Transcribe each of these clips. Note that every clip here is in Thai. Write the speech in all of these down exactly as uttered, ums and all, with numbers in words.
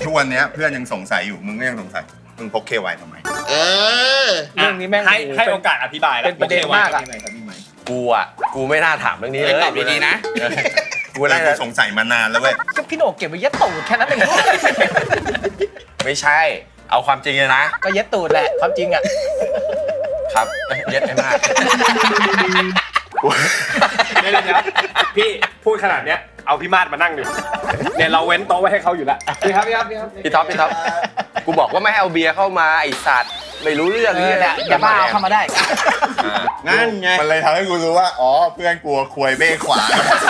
ทุกวันนี้เพื่อนยังสงสัยอยู่มึงก็ยังสงสัยมึงพกเคไวทำไมเออเรื่องนี้แม่งให้ให้โอกาสอธิบายแล้วเป็นประเด็นมากอะกูอ่ะกูไม่น่าถามเรื่องนี้เลยตอบดีๆนะกูเลยกูสงสัยมานานแล้วเว้ยก็พี่โหน่งเก็บไว้ยัดตูดแค่นั้นเองไม่ใช่เอาความจริงเลยนะก็ยัดตูดแหละความจริงอ่ะครับเย็ดให้มากเดี๋ยวเดี๋ยวพี่พูดขนาดเนี้ยเอาพี่มาดมานั่งดิเนี่ยเราเว้นโต๊ะไว้ให้เขาอยู่แล้วพี่ครับพี่ครับพี่ครับพี่ท็อปพี่ท็อปกูบอกว่าไม่ให้เอาเบียร์เข้ามาไอสัตว์ไม่รู้เรื่องเอนี่อแหแหละละอย่าบ้าเอาเข้ามาได้งั้นไงมันเลยทำให้กูรู้ว่าอ๋อเพื่อนกลัวควยเบ้ขวา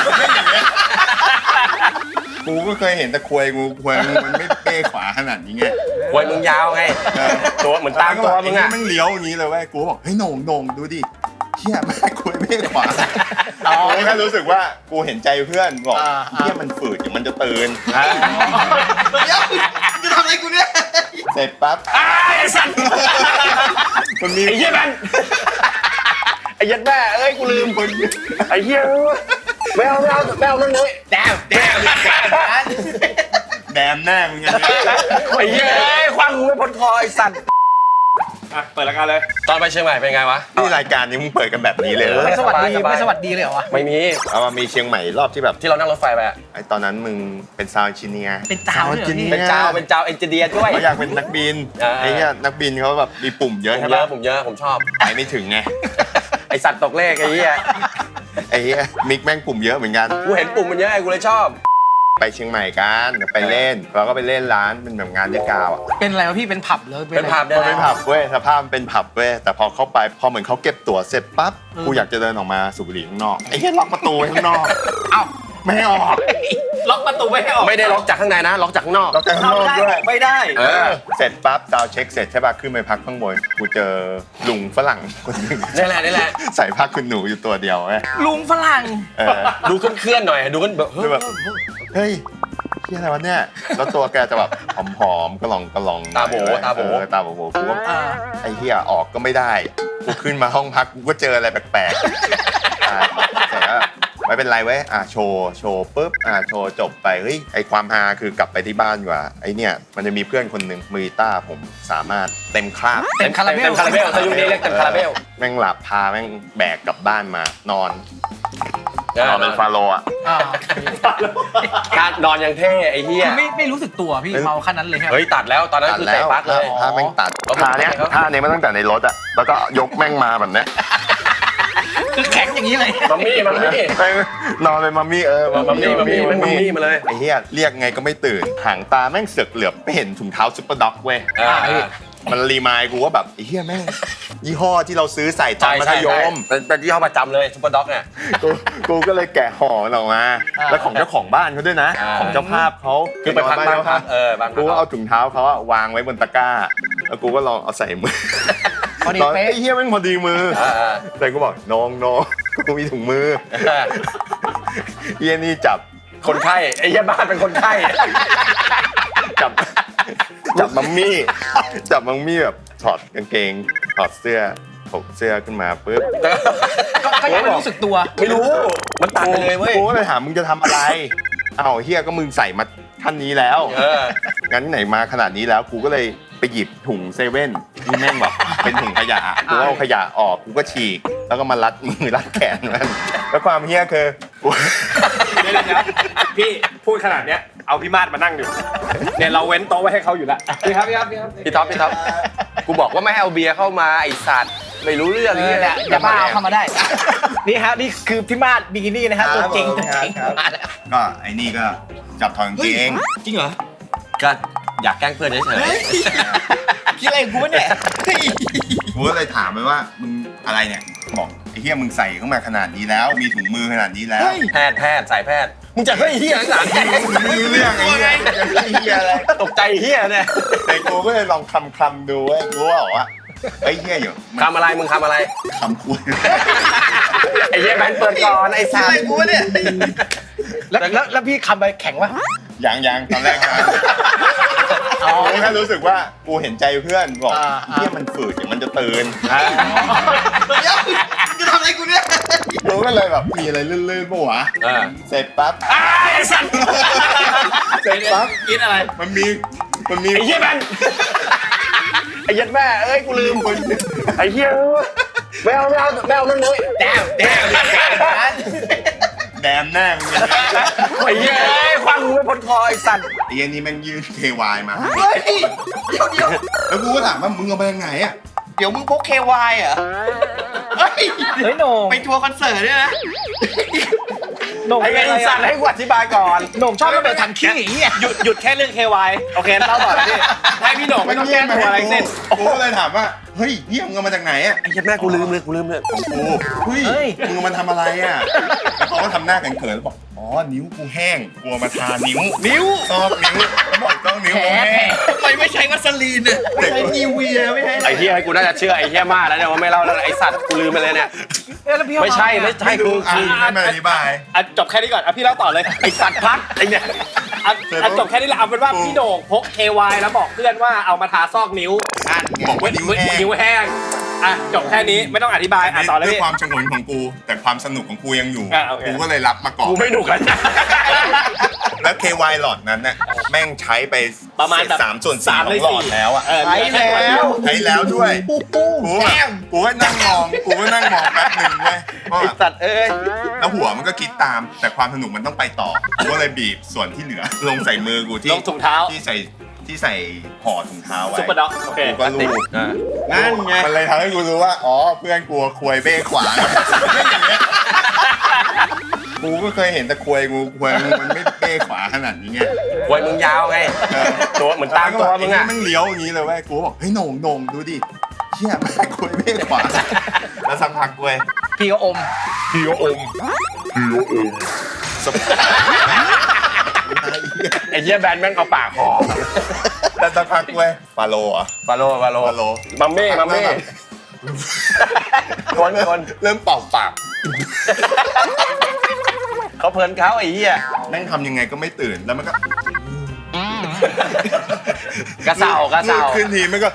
กูก็เคยเห็นแต่ควยงูควยงูมันไม่เบ้ขวาขนาดนี้ไงควยมึงยาวไงตัวเหมือนตามตัวมึงอ่ะมันเลี้ยวอย่างนี้เลยเว้ยกูบอกเฮ้ยโหน่งโหน่งดูดิเฮียแม่ควยเบ้ขวากูแค่รู้สึกว่ากูเห็นใจเพื่อนบอกเฮียมันฝืดเดี๋ยวมันจะตื่นเดี๋ยวจะทำอะไรกูเนี่ยเสร็จปั๊บไอสัตว์มันมีไอเหี้ยมันไอยัดแม่เอ้ยกูลืมคนไอเหี้ยไม่เอาไม่เอาไม่เอาเรื่องนี้แดมแดมแดมแน่มึงไงไอเหี้ยคว้างกูไม่พ้นคอไอสัตว์อ่ะเปิดรายการเลยตอนไปเชียงใหม่เป็นไงวะนี่รายการนี้มึงเปิดกันแบบนี้เลยเหรอไม่สวัสดีสบายๆไม่สวัสดีเลยเหรอวะไม่มีเอามามีเชียงใหม่รอบที่แบบที่เรานั่งรถไฟไปอะไอตอนนั้นมึงเป็นซาวด์ชิเนียร์เป็นเจ้าเลยเหรอพี่เป็นเจ้าเป็นเจ้าเอนจิเนียร์ด้วยเขาอยากเป็นนักบินอ่าไอ้เนี่ยนักบินเขาแบบมีปุ่มเยผอะมใช่เยปะอะผมเยอะผมชอบไปไม่ถึงไงไอสัตว์ตกเลขไอ้เหี้ยไอ้เหี้ยมิกแม่งปุ่มเยอะเหมือนกันกูเห็นปุ่มมันเยอะไงกูเลยชอบไปเชียงใหม่กันเดี๋ยวไปเล่นเราก็ไปเล่นร้านเป็นแบบงานเรียกกาวอ่ะเป็นอะไรวะพี่เป็นผับเลยเป็นผับมันเป็นผับเว้ยสภาพมันเป็นผับเว้ยแต่พอเข้าไปพอเหมือนเขาเก็บตั๋วเสร็จปั๊บกูอยากจะเดินออกมาสูบบุหรี่ข้างนอกไอ้เหี้ยล็อกประตูไว้ข้างนอกเอ้าไม่ให้ออกล็อกประตูไม่ให้ออกไม่ได้ล็อกจากข้างในนะ ล็อกจากข้างนอกล็อกจากข้างนอกด้วยไม่ได้เออเสร็จปั๊บดาวเช็คเสร็จใช่ป่ะขึ้นไปพักข้างบนกูเจอลุงฝรั่งคนหนึงนี่แหละนี่แหละใส่ผ้าคุณหนูอยู่ตัวเดียวเว้ยลุงฝรั่งเออดูเคลื่อนๆหน่อยดูกันแบบคือแบบเฮ้ยเฮียอะไรวะเนี่ยแล้วตัวแกจะแบบผอมๆกระหล่องกระหล่องตาโบตาโบเออตาโบโบกูว่าอ่าไอ้เฮียออกก็ไม่ได้กูขึ้นมาห้องพักกูก็เจออะไรแปลกๆอ่าเสร็จแล้วไม่เป็นไรเว้ยอ่ะโชว์โชว์ปุ๊บอ่ะโชว์จบไปเฮ้ยไอความฮาคือกลับไปที่บ้านดีกว่าไอเนี่ยมันจะมีเพื่อนคนหนึ่งมือต้าผมสามารถเต็มคราบเต็มคาราเบลเต็มคาราเบลถ้ายุคนี้เรียกเต็มคาราเบลแม่งหลับพาแม่งแบกกลับบ้านมานอนนอนเป็นฟาโรห์อ่ะอ่าการนอนยังเท่ไอ้เหี้ยคือไม่ไม่รู้สึกตัวพี่เมาขั้นนั้นเลยครับเฮ้ยตัดแล้วตอนนั้นคือเตะปักเลยท่าแม่งตัดอ๋อท่าเนี้ยครับท่าเนี้ยมาตั้งแต่ในรถอ่ะแล้วก็ยกแม่งมาแบบเนี้ยคือแข็งอย่างนี้เลยมัมมี่มัมมี่แม่งนอนเป็นมัมมี่เออมัมมี่มัมมี่มันมัมมี่มาเลยไอ้เหี้ยเรียกไงก็ไม่ตื่นหางตาแม่งเสือกเหลือบไปเห็นถุงเท้าซุปเปอร์ด็อกเว้ยอ่ามันรีมายด์กูว่าแบบไอ้เหี้ยแม่งยี่ห้อที่เราซื้อใส่ตอใช่นมัธใช่ยใช่มเป็นเป็นที่ห้อประจำเลยซุปเปอร์ด็อกเนี่ยกูกูก็เลยแกะห่อมันออกมา แล้วของเจ้าของบ้านเขาด้วยนะอ่าของเจ้าภาพเขาคือไปพักบ้านพักเออบ้านพักูกก็เอาถุงเท้าเขาอะวางไว้บนตะกร้า แล้วกูก็ลองเอาใส่มือพอดีตอนเป๊ะไอ้เหี้ยแม่งพอดีมืออ่าอ่าแต่กูบอกน้องน้องกูมีถุงมือเหี้ยนี่จับคนไข้ไอ้เหี้ยบ้านเป็นคนไข้จับจับมัมมี่จับมัมมี่แบบถอดกางเกงถอดเสื้อถกเสื้อขึ้นมาปุ๊บก็ก็ยังไม่รู้สึกตัวไม่รู้มันตัดไปเลยเว้ยกูก็เลยถามมึงจะทำอะไรอ้าวเฮียก็มึงใส่มาขั้นนี้แล้วเอองั้นไหนมาขนาดนี้แล้วกูก็เลยไปหยิบถุงเซเว่นที่แม่งแบบเป็นถุงขยะกูก็เอาขยะออกกูก็ฉีก แล้วก็มารัดมือรัดแขนมันแล้วความเฮียคือกูเดี๋ยวเดี๋ยวพี่พูดขนาดเนี้ยเอาพี่มาดมานั่งดิเนี่ยเราเว้นโต๊ะไว้ให้เขาอยู่แล้วพี่ครับพี่ครับพี่ครับพี่ท็อปพี่ท็อปกูบอกว่าไม่ให้เอาเบียร์เข้ามาไอสัตว์ไม่รู้เรื่องเอนี่อแหละอย่าบ้าเอาเข้ามาได้ นี่ฮะนี่คือพี่มาดบิกินี่นะฮะตัวจริงตัวจริงก็ไอ้นี่ก็จับถอดกางเกงจริงเหรอก็อยากแกล้งเพื่อนเฉยคิดอะไรกูวะเนี่ยเฮ้ยกูก็เลยถามไปว่ามึงอะไรเนี่ยบอกไอ้เฮียมึงใส่เข้ามาขนาดนี้แล้ว มีถุงมือขนาดนี้แล้วๆแพทย์แพทย์สายแพทย์มึงจะเฮ้ยเฮียหนังไม่รู้เรื่องไอ้เฮียไอ้เฮียอะไรตกใจเฮียเนี่ยแต่กูก็เลยลองคำคำๆดูเว้ยกูว่าบอกว่าไอ้ยเฮียอยู่มันทำอะไรมึงทำอะไรคำคุยไอ้เฮียแบนเปิดก่อนไอ้คิดสัอะไรตว์กูวะเนี่ยแล้วแล้วแล้วพี่คำไปแข็งวะยังยังตอนแรกนะกูแค่รู้สึกว่ากูเห็นใจเพื่อนบอกเฮียมันฝืดเดี๋ยวมันจะตื่นเดี๋ยวจะทำอะไรกูเนี่ยกูก็เลยแบบมีอะไรลื่นๆปะวะอ่าเสร็จปั๊บไอ้สัตว์เสร็จปั๊บกินอะไรมันมีมันมีไอ้เหี้ยแบนไอ้ยัดแม่เอ้ยกูลืมไอ้เหี้ยไม่เอาไม่เอาไม่เอานั่นเลยแดมแดมแดมแน่มึงเนี่ยไอ้เหี้ยคว้างกูไม่พ้นคอไอ้สัตว์ไอ้เหี้ยนี่แม่งยื่น เค วาย มาเฮ้ยเดี๋ยวเดี๋ยวแล้วกูก็ถามว่ามึงเอาไปยังไงอ่ะเดี๋ยวมึงพก เค วาย เหรอเฮ้ยเฮ้ยโหน่งไปทัวร์คอนเสิร์ตด้วยนะโหน่งไอ้เป็นไอ้อะไรสัอะตว์ให้กูอธิบายก่อนโหน่งชอบระเบิดถังขี้อย่างเงี้ยหยุดหยุดแค่เรื่อง เค วาย โอเคเล่าต่อพี่ให้พี่โหน่งไม่ต้องแก้ตัวอะไรเส้นกูก็เลยถามว่าเฮ้ยเหี้ยมึงเอามาจากไหนอ่ะไอ้ยัดแม่กูลืมเลยกูลืมเลยของกูเฮ้ยเฮ้ยมึงเอามาทำอะไรอ่ะแล้วเขาก็ทำหน้าเขินๆแล้วบอกอ๋อนิ้วกูแห้งกลัวมาทานิ้วนิ้วซอกนิ้วเขาบอกซอกนิ้วกูแห้งทำไมไม่ใช้วัสลีนเนี่ยไม่ใช้นิวเวียไม่ใช้อะไรไอ้เหี้ยกูน่าจะเชื่อไอ้เหี้ยมากแล้วเนี่ยว่าไม่เล่าแล้วไอ้สัตว์กูลืมไปเลยเนี่ยเอ้ยแล้วพี่เอาไม่ใช่ไม่ใช่ไม่คืรู้ออ่ะคือไม่มาอธิบายอ่ะจบแค่นี้ก่อนอ่ะพี่เล่าต่อเลยไอ้สัตว์พัดไอ้เนี่ยอ่ะอ่ะจบแค่นี้แหละเอาเป็นว่าพี่โหน่งพก เค วาย แล้วบอกเพื่อนว่าเอามาทาซอกนิ้วนั่นไงบอกว่านิ้วแห้งนิ้วแห้งอ่ะจบแค่นี้ไม่ต้องอธิบายอ่ะต่อเลยด้วยพี่ความชงนของกู แต่ความสนุกของกูยังอยู่อ่ะโอเคกูก็เลยรับมาก่อนกูไม่หนุกแล้วแล้ว เค วาย หลอดนั้นน่ะแม่งใช้ไปประมาณแบบสามส่วนสี่สามขในองหลอสี่ดแล้วอ่ะเออใช้แล้วใช้แล้วด้วยปูปูกูแบแก้บมกูก็นั่งมองกูก็นั่งมองแป๊บหนึ่งเว้ยว่าไอ้สัตว์เอ้ยแล้วหัวมันก็คิดตาม แต่ความสนุกมันต้องไปต่อกูก็เลยบีบส่วนที่เหลือ ลงใส่มือกูที่ลงถุงเท้าที่ใส่ที่ใส่ห่อถุงเท้าไว้ซุปเปอร์ด็อกโอเคกูก็รูปนั่นไงมันเลยทำให้กูรู้ว่า อ๋อ เพื่อนกลัวควยเบ้ขวางอย่างเงี้ยกูก็เคยเห็นแต่ควยงูควยงูมันไม่เบ้ขวาขนาดนี้ไงควยมึงยาวไงเออตัวเหมือนตามตัวมึงอะไมันเลี้ยวอย่างนี้เลยเว้ยกูบอกเฮ้ยโหน่งโหน่งดูดิเชี่ยมันควยเบ้ขวาแล้วสักพักเว้ยพี่ก็อมพี่ก็อมพี่ก็อมสบไอ้เหี้ยแบนแม่งเอาปากห่อแล้วสักพักเว้ยฟาโลเหรอ่ะบาโลบาโลฟาโลมัมเม่มัมเม่คนคนเริ่มเป่าปากเขาเพลินเขาไอ้เหี้ยแม่งทำยังไงก็ไม่ตื่นแล้วมันก็กระเซากระเซามือขึ้นทีมันก็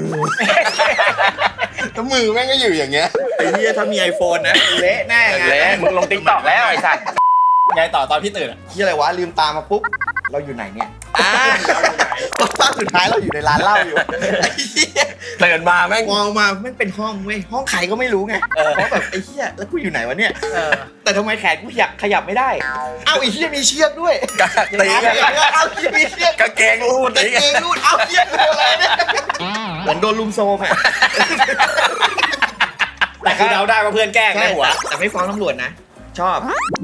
แล้วมือแม่งก็อยู่อย่างเงี้ยไอ้เหี้ยถ้ามีไอโฟนนะเละแน่ไงเละมึงลงติ๊กต็อกแล้วไอ้สัตว์ไงต่อตอนพี่ตื่นอ่ะที่อะไรวะลืมตามาปุ๊บเราอยู่ไหนเนี่ยอ่าเราอยู่ไหนตอนสุดท้ายเราอยู่ในร้านเหล้าอยู่ไอ้เหี้ยตื่นมาแม่งมองมาไม่เป็นห้องเว้ยห้องใครก็ไม่รู้ไงเพราะแบบไอ้เหี้ยแล้วกูอยู่ไหนวะเนี่ยเออแต่ทำไมแขนกูขยับขยับไม่ได้เอ้าไอ้เหี้ยมีเชือกด้วยตีกันเอ้าเหี้ยมีเชือกกางเกงรูดกาตีงกันเกงรูดเอ้าเหี้ยคืออะไรเนี่ยเหมือนโดนลุมโซมอ่ะแต่คือเราได้ว่าเพื่อนแกล้งในใช่หัวแต่ไม่ฟ้องตำรวจนะ ชอบ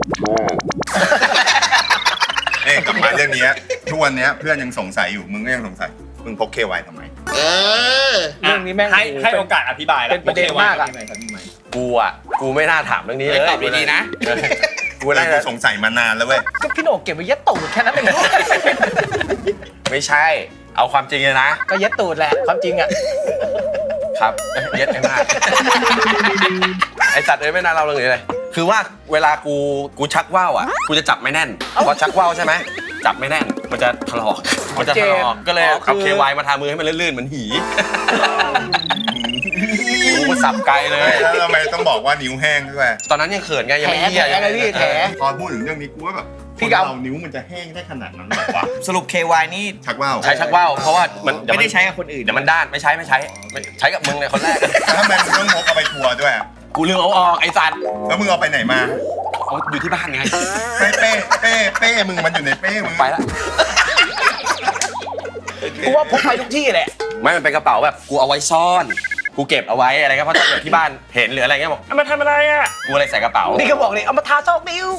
เอ้ยกลับมาเรื่องเนี้ยทุกวันเนี้ยเพื่อนยังสงสัยอยู่มึงก็ยังสงสัยมึงพก เค วาย ทำไมเออเรื่องนี้แม่งให้ให้โอกาสอธิบายแล้วเป็นประเด็นมากอะพี่ใหม่ครับพี่ใหม่กูอ่ะกูไม่น่าถามเรื่องนี้เลยตอบดีๆนะเออกูกูน่ากูจะสงสัยมานานแล้วเว้ยก็พี่โหน่งเก็บไว้ยัดตูดแค่นั้นเองไม่ใช่ เอาความจริงเลยนะก็ยัดตูดแหละความจริงอ่ะครับเย็ดไอ้มากไอสัตว์เอ้ยไม่น่าเล่าเรื่องนี้เลย คือว่าเวลากูกูชักว่าวอ่ะกูจะจับไม่แน่นพอชักว่าวใช่ไหมจับไม่แน่นมันจะถลอกมันจะถลอกก็เลยเอาเควายมาทามือให้มันลื่นๆเหมือนหีกูก็สับไกลเลยแล้วทำไมต้องบอกว่านิ้วแห้งด้วยตอนนั้นยังเขินไงยังไม่เหี้ยแผลแผลเลยพี่แผลพอพูดถึงเรื่องนี้กูว่าแบบพี่ก็เอาเรานิ้วมันจะแห้งได้ขนาดนั้นหรอวะสรุป เค วาย นี่ชักว่าวใช้ชักว่าวเพราะว่ามันเยวไม่นได้ใช้กับคนอื่นเดี๋ยวมันด้านไม่ใช้ไม่ใช้ไม่ใช้กับมึงเลยคนแรกแล้วทำไมมึงต้องพกเอาไปทัวร์ด้วยอะกูลืมเอาออกไอ้สัตว์แล้วมึงเอาไปไหนมาเอาอยู่ที่บ้านไงเป้เป้เป้เป้มึงมันอยู่ในเป้มึงไปละกูว่าพกไปทุกที่แหละไม่มันเป็นกระเป๋าแบบกูเอาไว้ซ่อนกูเก็บเอาไว้อะไรก็เพราะถ้าเกิดที่บ้านเห็นหรืออะไรเงี้ยบอกเอามาทำอะไรอ่ะกูเลยใส่กระเป๋านี่ก็บอกเลยเอามาทาซอกนิ้ว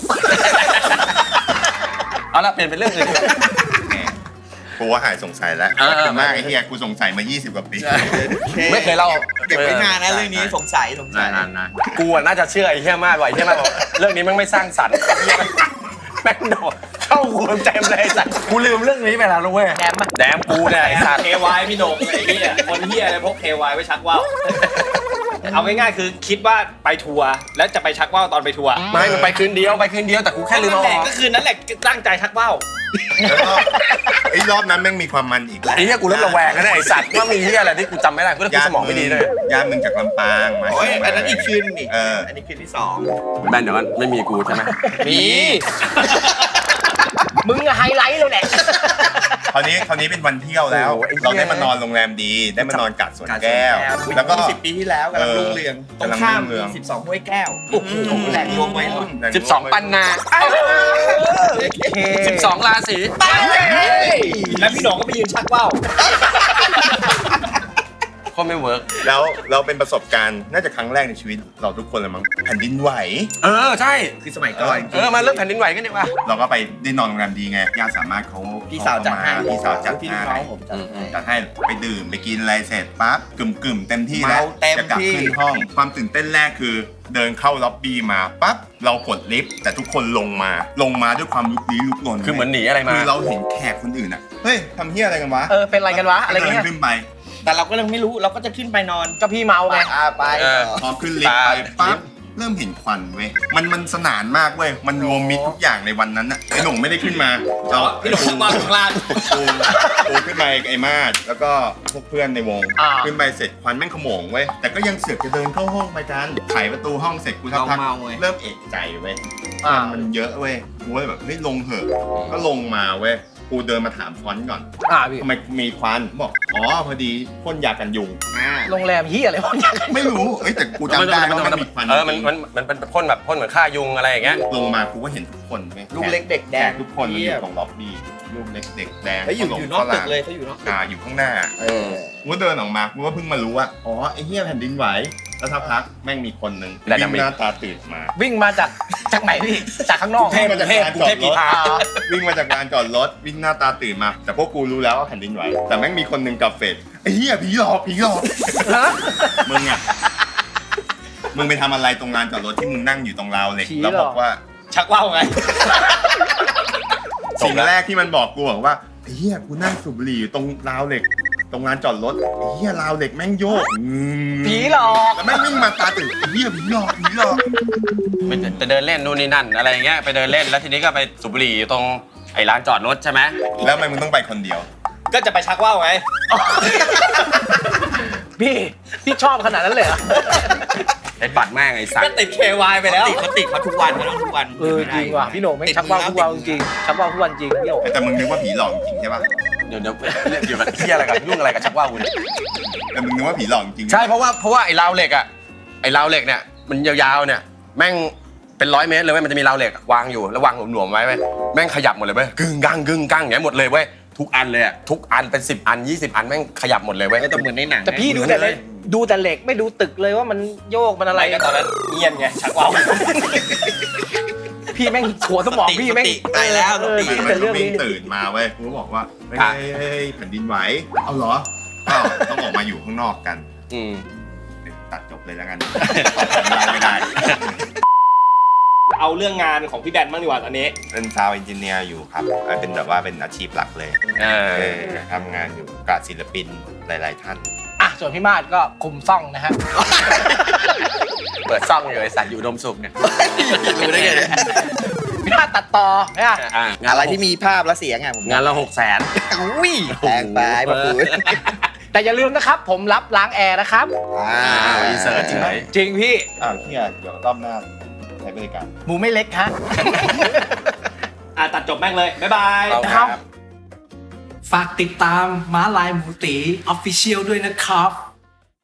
เอาละเปลี่ยนเป็นเรื่องอื่นกูว่าหายสงสัยแล้วเออขอบคุณมากไอ้เหี้ยกูสงสัยมายี่สิบกว่าปีไม่เคยเล่าเก็บไว้นานนะเรื่องนี้สงสัยสงสัยนานนานกูอะน่าจะเชื่อไอ้เหี้ยมากกว่าไอ้เหี้ยมากกว่าเรื่องนี้แม่งไม่สร้างสรรค์แม่งโดดเข้ากูเต็มเลยไอ้สัตว์กูลืมเรื่องนี้ไปแล้วนะเว้ยแดมปะแดมกูเนี่ยไอ้สัตว์เค วาย พี่โหน่งไอ้เหี้ยคนเหี้ยอะไรพก เค วาย ไว้ชักว่าวเอาง่ายๆคือคิดว่าไปทัวร์แล้วจะไปชักว่าวตอนไปทัวร์ไม่มันไปคืนเดียวไปคืนเดียวแต่กูแค่ลืมนั่เอานแหอละอกก็คือนั่นแหละตั้งใจชักว่าวแล้วก็ไอ้รอบนั้นแม่งมีความมันอีกไอ้เหี้ยกูเริ่มระแวงแล้วเนี่ยไอ้สัตว์ว่ามีเหี้ยอะไรที่กูจำไม่ได้กูเริ่มสมองไม่ดีเลยญาติมึงจากลำปางมาโอ้ยอันนั้นอีกคืนนี่เอออันนี้คืนที่สองแบนเดี๋ยวมันไม่มีกูใช่ไหมมีมึงอะไฮไลท์เลยแหละคราวนี้คราวนี้เป็นวันเที่ยวแล้วโอ้โหไอ้เหี้ยเราได้มานอนโรงแรมดี ได้มานอนกัดสวนแก้ว แล้วก็สิบปีที่แล้วกำลังรุ่งเรืองตรงข้ามสิบสองห้วยแก้วโอ้โหแหล่งรวมไว้รุ่นสิบสองปันนา สิบสองราศีแล้วพี่หนองก็ไปยืนชักว่าวก็ไม่เวิร์กแล้วเราเป็นประสบการณ์น่าจะครั้งแรกในชีวิตเราทุกคนเลยมั้งแผ่นดินไหวเออใช่คือสมัยก่อนเออมาเรื่องแผ่นดินไหวกันดีกว่าเราก็ไปได้นอนโรงแรมดีไงญาติสามารถเขาพี่สาวจัดให้พี่สาวจัดพี่ให้น้องผมจัดให้จัดให้ไปดื่มไปกินอะไรเสร็จปั๊บกึ่มกึ่มๆเต็มที่แล้วเมาเต็มจะกลับที่ขึ้นห้อง ความตื่นเต้นแรกคือเดินเข้าล็อบบี้มาปั๊บเรากดลิฟต์แต่ทุกคนลงมาลงมาด้วยความลุกลี้ลุกลนคือเหมือนหนีอะไรมาคือเราเห็นแขกคนอื่นอ่ะเฮ้ยทำเฮียอะไรกันวะเออเป็นอะไรกันวะอะไรก็เดิเงี้นยขึ้นไปแต่เราก็ยังไม่รู้เราก็จะขึ้นไปนอนก็พี่เมาไงอ่าไปเออพอขึ้นลิฟต์ไปปั๊บเริ่มเห็นควันเว้ยมันมันสนานมากเว้ยมันรวมมิตรทุกอย่างในวันนั้นอ่ะไอ้หนุ่มไม่ได้ขึ้นมาเราพี่หนองชักว่าวอยู่ข้างล่างกูกูขึ้นไปกับไอ้มาดแล้วก็พวกเพื่อนในวงอ่าขึ้นไปเสร็จควันแม่งขโมงเว้ยแต่ก็ยังเสือกจะเดินเข้าห้องไปกันไขประตูห้องเสร็จกูสักพักเมาๆเว้ยเริ่มเอกใจเว้ยอ่ามันเยอะเว้ยกูเลยแบบเฮ้ยลงเหอะก็ลงมาเว้ยกูเดินมาถามฟอนต์ก่อนอ่าพี่ทำไมมีควันบอกอ๋อพอดีพ่นยากันยุงอ่าโรงแรมเฮียอะไรวะเนี่ยไม่รู้เอ้ยแต่กูจำได้ว่ามันมีควันเออมันมันมันเป็นพ่นแบบพ่นเหมือนฆ่ายุงอะไรอย่างเงี้ยลงมากูก็เห็นทุกคนเว้ยลูกเล็กเด็กแดแขงกทุกคนมันอยู่ตรงล็อบบี้ลูกเล็กเด็กแดงแล้วอยู่ขมอยู่นอกตึกฝรั่งเลยเขาอยู่นอกตึกอ่าอยู่ข้างหน้าเออกูก็เดินออกมากูก็เพิ่งมารู้ว่าอ๋อไอ้เหี้ยแผ่นดินไหวแล้วสักพักแม่งมีคนหนึ่งวิ่งหน้าตาตื่นมาวิ่งมาจากจากไหนพี่จากข้างนอกวิ่งมาจากลานจอดรถอ่าวิ่งมาจากลานจอดรถวิ่งหน้าตาตื่นมา แต่พวกกูรู้แล้วว่าแผ่นดินไหวแต่แม่งมีคนหนึ่งกับเฟดไอ้เหี้ยผีหลอกผีหลอกฮะมึงอ่ะมึงไปทำอะไรตรงลานจอดรถที่มึงนั่งอยู่ตรงราวเหล็กผีแล้วหรอบอกว่าชักว่าวไงสิ่งแรกที่มันบอกกูบอกว่าไอ้เหี้ยกูนั่งสูบบุหรี่อยู่ตรงราวเหล็ก ตรงลานจอดรถไอ้เหี้ยราวเหล็กแม่งโยกอืมผีหลอกแล้วแม่งวิ่งมาตาตื่นไอ้เหี้ยผีหลอกผีหลอกไปจะเดินเล่นนู่นนี่นั่นอะไรอย่างเงี้ยไปเดินเล่นแล้วทีนี้ก็ไปสูบบุหรี่อยู่ตรงไอ้ร้านจอดรถใช่ไหมแล้วทำไมมึงต้องไปคนเดียวก็จะไปชักว่าวไงพี่พี่ชอบขนาดนั้นเลยเหรอไอ้ปัดแม่งไอ้สัตก็ว์ติด เค วาย ไปแล้วติดเขาติดเขาทุกวันเขาต้องทุกวันเออจริงว่ะพี่โหน่งไม่งชักว่าวทุกวันจริงชักว่าวทุกวันจริงพี่โหน่งแต่มึงนึกว่าผีหลอกจริงใช่ปะเดี๋ยวเดี๋ยวเรียกอยู่กับเที่ยอะไรกับยุ่งอะไรกับชักว่าวกูเนี่ยแต่มึงนึกว่าผีหลอกจริงใช่เพราะว่าเพราะว่าไอ้ราวเหล็กอ่ะไอ้ราวเหล็กเนี่ยมันยาวๆเนี่ยแม่งเป็นร้อยเมตรเลยเว้ยมันจะมีราวเหล็กวางอยู่แล้ววางหลวมๆไว้เว้ยแม่งขยับหมดเลยเว้ยกึ่งกังกึ่งกังอย่างเงี้ยหมดเลยเว้ยทุกอันเลยอ่ะทุกอันเป็นสิบอันยี่สิบอันแม่งขยับหมดเลยเว้ยเออแต่เหมือนในหนังนะแต่พี่ดูแต่เหล็กดูแต่เหล็กไม่ดูตึกเลยว่ามันโยกมันอะไรอะไรก็ตอนนั้นเงียนไง ชักว่าวพี่แม่งหัวสมองพี่แม่งสติตายแล้วเออสติคิดมัแต่นเรื่องวิ่งนี้ตื่นมาเว้ยกูก็บอกว่าเฮ้ยเฮ้ยเฮ้ยแผ่นดินไหวเอาเหรอก็ต้องออกมาอยู่ข้างนอกกันอืมตัดจบเลยแล้วกันไม่ได้เอาเรื่องงานของพี่แบนบ้างดีกว่าตอนนี้เป็นซาวด์เอนจิเนียร์อยู่ครับเป็นแบบว่าเป็นอาชีพหลักเลยเอเอออทำงานอยู่กับศิลปินหลาย ๆ ท่านอ่ะส่วนพี่มาดก็คุมซ่องนะฮะเปิดซ่องอยู่ไอ้สัตว์อยู่อุดมสุขเนี่ยรู้ได้ไงเนี่ยพี่มาดตัดต่อเนี่ยอ่ะงานอะไรละที่มีภาพและเสียงอ่ะผมงานละหกแสนอุ้ยแพงไปมาพูดแต่อย่าลืมนะครับ ผมรับล้างแอร์นะครับอ่าอีเสิร์ชเฉยจริงพี่อ้าวเฮียเดี๋ยวรอบหน้าใช้บริการหมูไม่เล็กฮะอ่ะตัดจบแม่งเลย บ๊ายบายเอาครับฝากติดตามม้าลายหมูตีออฟฟิเชียลด้วยนะครับ